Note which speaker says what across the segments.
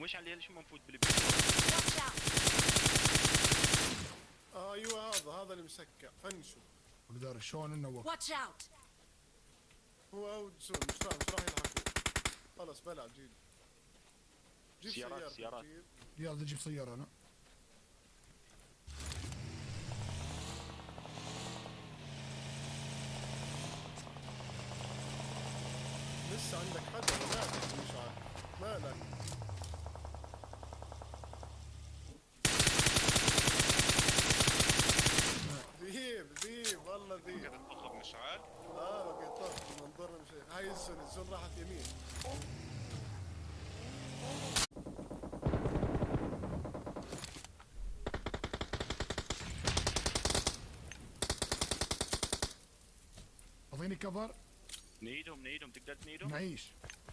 Speaker 1: مشعل ليش ما نفوت بالبيت؟
Speaker 2: Watch out!
Speaker 3: ايوه هذا اللي مسكع فنشو.
Speaker 4: ولدار شلون انه وقت.
Speaker 2: Watch out!
Speaker 3: هو مش راح يلحقوا. خلاص بلع جيب
Speaker 1: سيارات.
Speaker 3: جيب.
Speaker 4: يلا جيب سيارة انا.
Speaker 3: لسه عندك حدا مالك مش عارف مالك. ذيب والله ذيب.
Speaker 5: كده تطلب مشعل.
Speaker 3: بقيت طاف منظرنا مش هاي الزون راحت يمين.
Speaker 4: اعطيني كفر.
Speaker 1: نيدهم تقدر تنيدهم؟
Speaker 4: نعيش.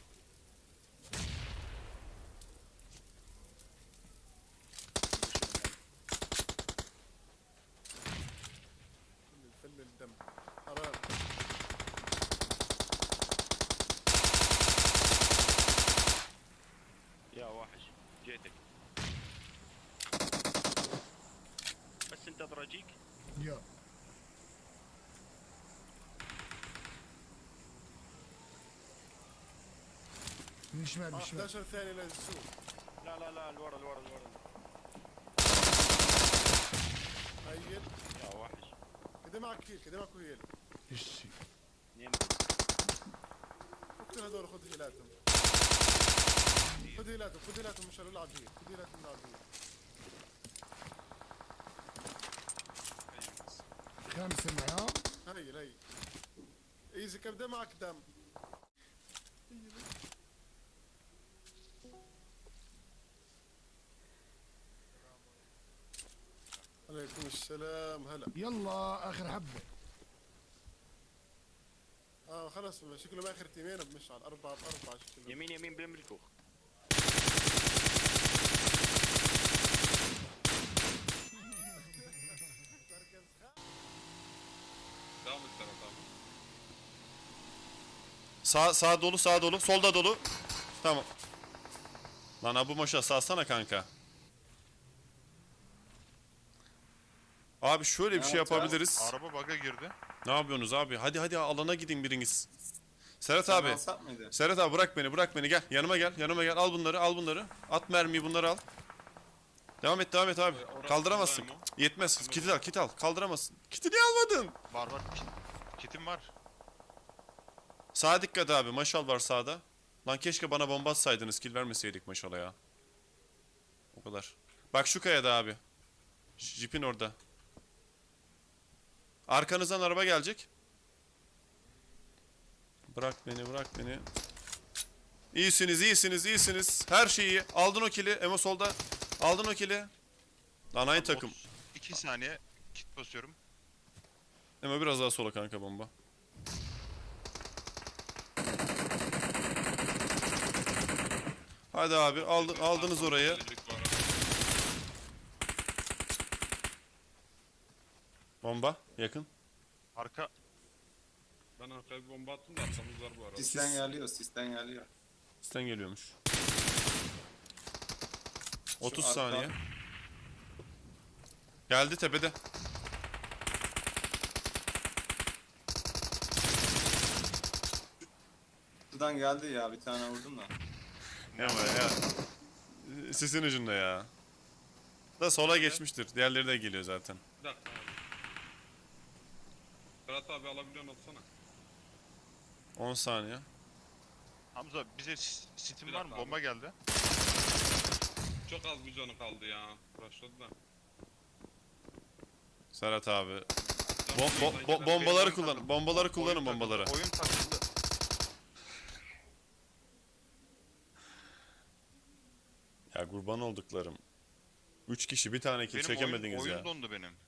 Speaker 3: الفل الدم حرام.
Speaker 1: يا وحش جيتك بس انتظر اجيك.
Speaker 4: يا من شمال من شمال.
Speaker 3: 11 ثانية للزون.
Speaker 1: لا الورا
Speaker 3: هيل
Speaker 1: يا وحش.
Speaker 3: كده معك هيل.
Speaker 4: الشي.
Speaker 1: اثنين.
Speaker 3: اقتل هذول خذ هيلاتهم مش العب هيل. خذ هيلاتهم العب هيل.
Speaker 4: خامس المعيار.
Speaker 3: هي ايزي كم ده معك دم. عليكم السلام هلا.
Speaker 4: يلا اخر حبة.
Speaker 3: خلاص شكله باخر تيمين بمشعل 4 ب4 شكله.
Speaker 1: يمين بالملكوخ.
Speaker 5: Devam et Serhat abi.
Speaker 6: Sağ dolu, solda dolu. Tamam. Lan Abu Moşa salsana kanka. Abi şöyle bir şey yapabiliriz.
Speaker 5: Araba bug'a girdi.
Speaker 6: Ne yapıyorsunuz abi? Hadi alana gidin biriniz. Serhat abi.
Speaker 7: Alsak mıydı?
Speaker 6: Serhat abi bırak beni gel. Yanıma gel. Al bunları. At mermiyi bunları al. Devam et abi. Kaldıramazsın.
Speaker 5: buradayım
Speaker 6: Cık, yetmez. Kiti al. Kaldıramazsın. Kiti niye almadın?
Speaker 5: Var. Kitim var.
Speaker 6: Sağa dikkat abi. Maşal var sağda. Lan keşke bana bomba atsaydınız. Kill vermeseydik maşala ya. O kadar. Bak şu kayada abi. Jeep'in orada. Arkanızdan araba gelecek. Bırak beni. İyisiniz. Her şey iyi. Aldın o kill'i. Emo solda. Aldın o kill'i. Lan aynı takım.
Speaker 5: 2 saniye kit basıyorum.
Speaker 6: Emo biraz daha sola kanka bomba. Hadi abi aldınız orayı.
Speaker 5: Ellilik var.
Speaker 6: Bomba yakın.
Speaker 5: Arka.
Speaker 8: Ben arkaya bir bomba attım da arkamız var bu arada.
Speaker 7: Sisten geliyor.
Speaker 6: Üstten geliyormuş. 30
Speaker 7: arka-
Speaker 6: saniye. Geldi tepede.
Speaker 7: Şuradan geldi ya, bir tane vurdum da.
Speaker 6: Ama ya. Sisin ucunda ya. Da sola geçmiştir. Diğerleri de geliyor zaten.
Speaker 8: Bir dakika abi. Serhat abi alabiliyorsun atsana.
Speaker 6: 10 saniye.
Speaker 5: Hamza bize sitim
Speaker 8: Bir
Speaker 5: var mı?
Speaker 8: dakika
Speaker 5: Bomba geldi.
Speaker 8: Çok az bir canı kaldı ya. Rushladı da.
Speaker 6: Serhat abi.
Speaker 8: Bombaları
Speaker 6: Bombaları kullanın. Bombaları kullanın bombaları.
Speaker 5: Oyun takıldı.
Speaker 6: Ya kurban olduklarım. 3 kişi bir tane kill
Speaker 5: Benim
Speaker 6: çekemediniz
Speaker 5: oyun
Speaker 6: ya.
Speaker 5: dondu benim.